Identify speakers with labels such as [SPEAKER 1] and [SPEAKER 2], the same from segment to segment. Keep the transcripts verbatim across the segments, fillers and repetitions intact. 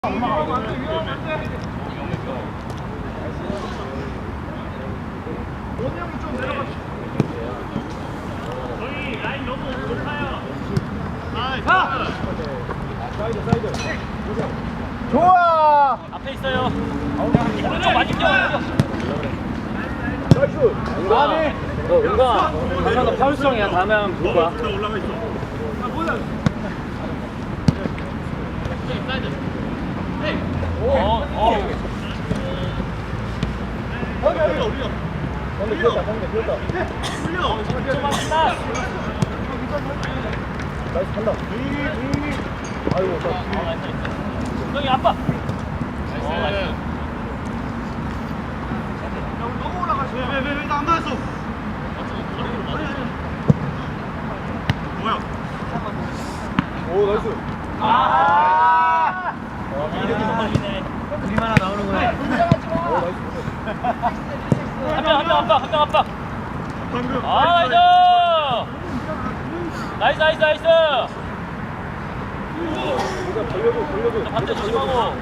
[SPEAKER 1] 저희 라인 너무 높아요.
[SPEAKER 2] 사이드 사이드. 좋아.
[SPEAKER 1] 앞에 있어요. 오른쪽 맞은 겨.
[SPEAKER 2] 나이스. 은광이.
[SPEAKER 3] 너 은광아, 항상 너 파울성이야. 다음에 하면 볼 거야.
[SPEAKER 1] 올라가 있어. 아 뭐야? 어, 어.
[SPEAKER 2] 올려 올려. 방금 비었다 방금 비었다.
[SPEAKER 1] 올려. 좀 왔다.
[SPEAKER 2] 나이스 간다. 아이고 나.
[SPEAKER 1] 형이 아빠. 나이스.
[SPEAKER 2] 너무 올라가시. 왜왜왜 나 안 맞았어?
[SPEAKER 1] 뭐야?
[SPEAKER 2] 오 나이스.
[SPEAKER 1] 아.
[SPEAKER 3] 그림 하나 나오는 거야.
[SPEAKER 2] 오 나이스.
[SPEAKER 1] 한명 한 명 아빠 한 명 아빠.
[SPEAKER 2] 방금.
[SPEAKER 1] 아 나이스. 나이스 나이스 나이스.
[SPEAKER 2] 누가 벌려줘 벌려줘.
[SPEAKER 1] 반대 조심하고.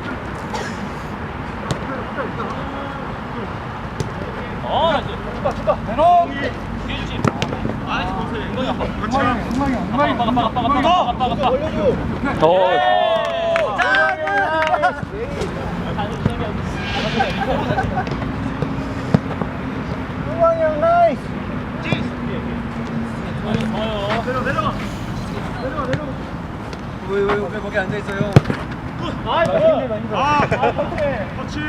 [SPEAKER 1] 어 나이스.
[SPEAKER 2] 축하 축하. 대롱.
[SPEAKER 1] 뒤에 주심. 아 보세요. 이거 아빠.
[SPEAKER 2] 같이 가.
[SPEAKER 1] 아빠 아빠 아빠 아빠 아빠 아빠 아빠.
[SPEAKER 2] 벌려줘. 은광이 형 나이스.
[SPEAKER 1] 좋아요.
[SPEAKER 2] 내려 내려가. 내려가 내려가.
[SPEAKER 3] 왜, 왜, 왜 거기 앉아있어요?
[SPEAKER 2] 아, 힘들다, 힘들다. 아, 터치.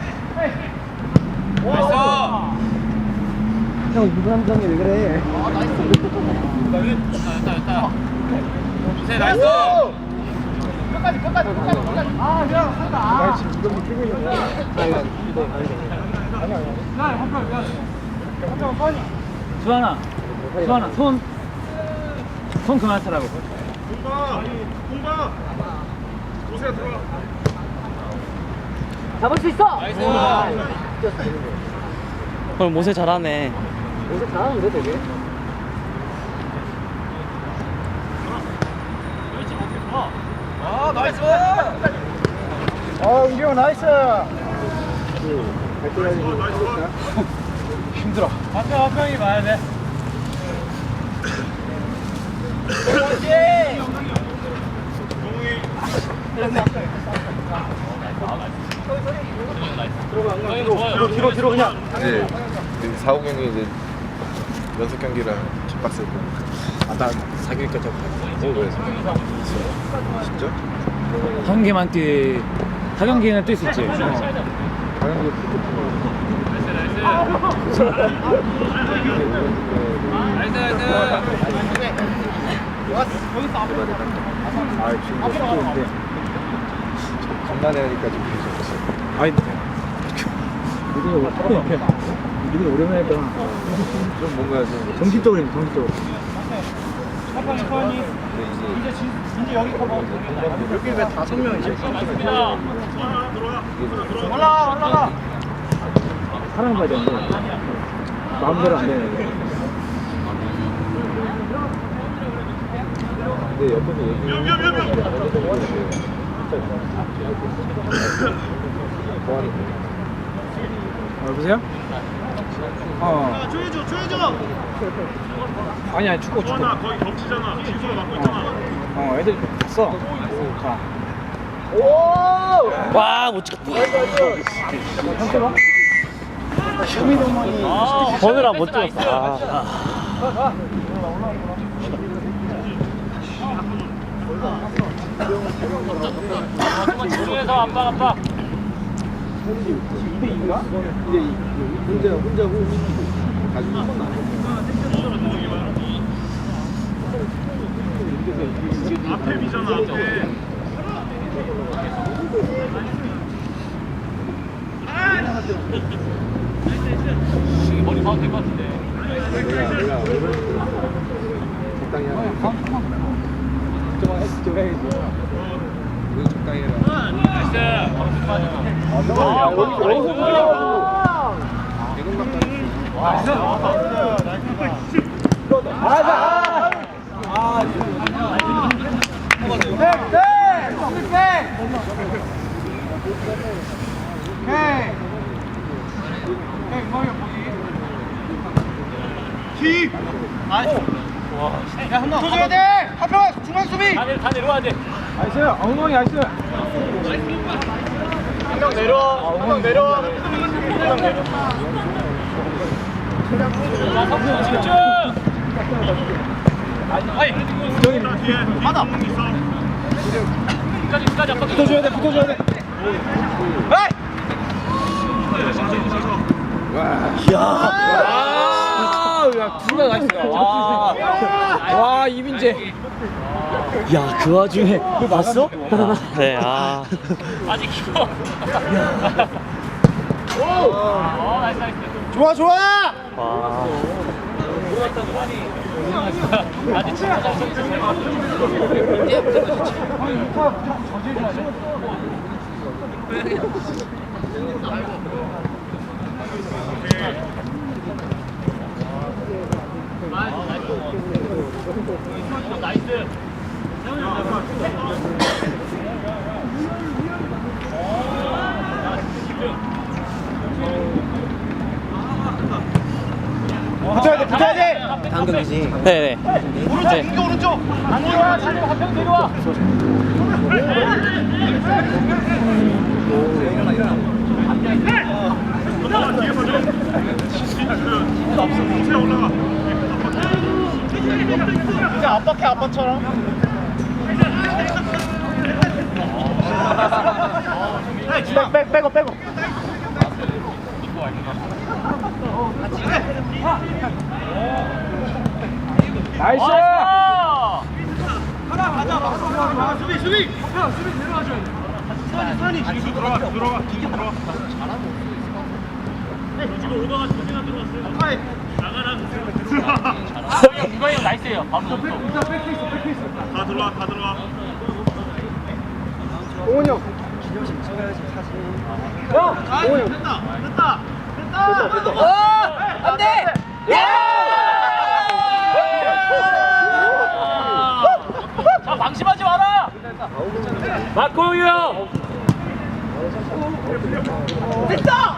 [SPEAKER 2] 와,
[SPEAKER 3] 형, 이분 함정이 왜 그래?
[SPEAKER 1] 됐다 됐다. 이세 나이스.
[SPEAKER 2] 끝까지, 끝까지, 끝까지, 끝까지. 아, 야, 한다. 나 지금 이거 뛰고 있는 거야. 아니, 아니, 아니, 아니. 나 한편 미안해. 한편 선이.
[SPEAKER 3] 수환아, 수환아, 손, 손 그만 쓰라고.
[SPEAKER 2] 공바, 공바. 오세요 들어와.
[SPEAKER 3] 잡을 수 있어!
[SPEAKER 1] 나이스.
[SPEAKER 3] 오늘 모세 잘하네. 모세 잘하는데 되게?
[SPEAKER 1] 아 나이스.
[SPEAKER 2] 어, 은기 형 나이스. 힘들어.
[SPEAKER 1] 앞에 한 명이 봐야 돼.
[SPEAKER 2] 뒤로, 뒤로, 뒤로 그냥.
[SPEAKER 4] 이제 그 사호 경기 이제 연습 경기랑 킥박스 했고 아나 사기니까 좀 오, 그래 진짜?
[SPEAKER 3] 한 개만 뛰, 타 경기는 뛸 수 있지. 어.
[SPEAKER 4] 당연히 아 지금 속도인데 간만에 하니까 좀 무서웠어.
[SPEAKER 3] 아니, 이게 오랜만에 했구나.
[SPEAKER 4] 좀 뭔가 좀
[SPEAKER 3] 정신적으로 했네, 정신적으로.
[SPEAKER 4] 근데 이제
[SPEAKER 2] 이제 여기 커버.
[SPEAKER 4] 여기 왜 다섯 명이지?
[SPEAKER 2] 올라가, 올라가.
[SPEAKER 3] 사랑받아야 되는데, 마음대로 안 되네.
[SPEAKER 4] 근데 옆에서 얘기
[SPEAKER 3] 어, 여보세요? 어.
[SPEAKER 2] 조여줘, 조여줘.
[SPEAKER 3] 아니, 아니, 축구, 축구.
[SPEAKER 2] 거기 겹치잖아. 진수가 맡고 있잖아.
[SPEAKER 3] 어, 애들 갔어. 자.
[SPEAKER 2] 오!
[SPEAKER 3] 와, 못 찍었다.
[SPEAKER 1] 아,
[SPEAKER 3] 보느라 못 찍었어. 아.
[SPEAKER 1] 중에서 아빠 아빠.
[SPEAKER 4] 이제 혼자 혼자 후 가지고
[SPEAKER 2] 앞에 비잖아, 앞에.
[SPEAKER 1] 머리 봐도 될 것 같은데.
[SPEAKER 4] 내가 내가 적당히 하라. 좀 좀 해야지. 너 적당히 해라.
[SPEAKER 1] 나이스. 바로 끝까지.
[SPEAKER 2] 아, 여기, 여기서 보려고. 맞아. 아, 백, 백, 백. 오케이. 오케이, 엉망이 보기. 킥. 야, 한명 붙어줘야 돼. 한명 중앙 수비.
[SPEAKER 1] 다 내려 다 내려와야 돼.
[SPEAKER 2] 나이스. 엉망이 나이스. 한 명 내려. 한 명 내려. 한 명 내려.
[SPEAKER 1] 자 성수 집중. 아이
[SPEAKER 2] 받아.
[SPEAKER 1] 끝까지 끝까지 아빠
[SPEAKER 2] 붙어줘야 돼. 붙어줘야 돼. 에이!
[SPEAKER 3] 아, 야, 둘다 나이스다. 와, 와, 이민재. 야, 그 와중에 그거 봤어? 네, 아.
[SPEAKER 1] 아직 키워. 오 나이스 나이스.
[SPEAKER 2] 좋아, 좋아.
[SPEAKER 3] 와.
[SPEAKER 1] 아직 진짜 잘 나이스.
[SPEAKER 2] 붙어야 돼. 붙어야 돼.
[SPEAKER 3] 당근이지. 네네.
[SPEAKER 2] 오른쪽,
[SPEAKER 3] 네.
[SPEAKER 2] 이거 오른쪽.
[SPEAKER 1] 안 내려와 잘 내려와 한명 내려와.
[SPEAKER 2] 이제 압박해, 아빠처럼. 백, 백, 빼고, 빼고. 나이스! 수비, 수비! 수비 내려와줘야 돼. 수환이, 수환이. 기수 들어가, 들어가. 기수 들어가.
[SPEAKER 1] 지금 오더가 두 개나 들어왔어요.
[SPEAKER 2] 아이.
[SPEAKER 1] 형 이거 형 나이스예요. 바로 또.
[SPEAKER 2] 일단 백페이스, 백페이스.
[SPEAKER 5] 다 들어와, 다 들어와.
[SPEAKER 2] 오은이 형. 형! 오은이 형.
[SPEAKER 5] 됐다, 됐다, 됐다.
[SPEAKER 2] 됐다, 됐다.
[SPEAKER 1] 안 돼. 자 방심하지 마라. 마코유 형.
[SPEAKER 2] 됐다!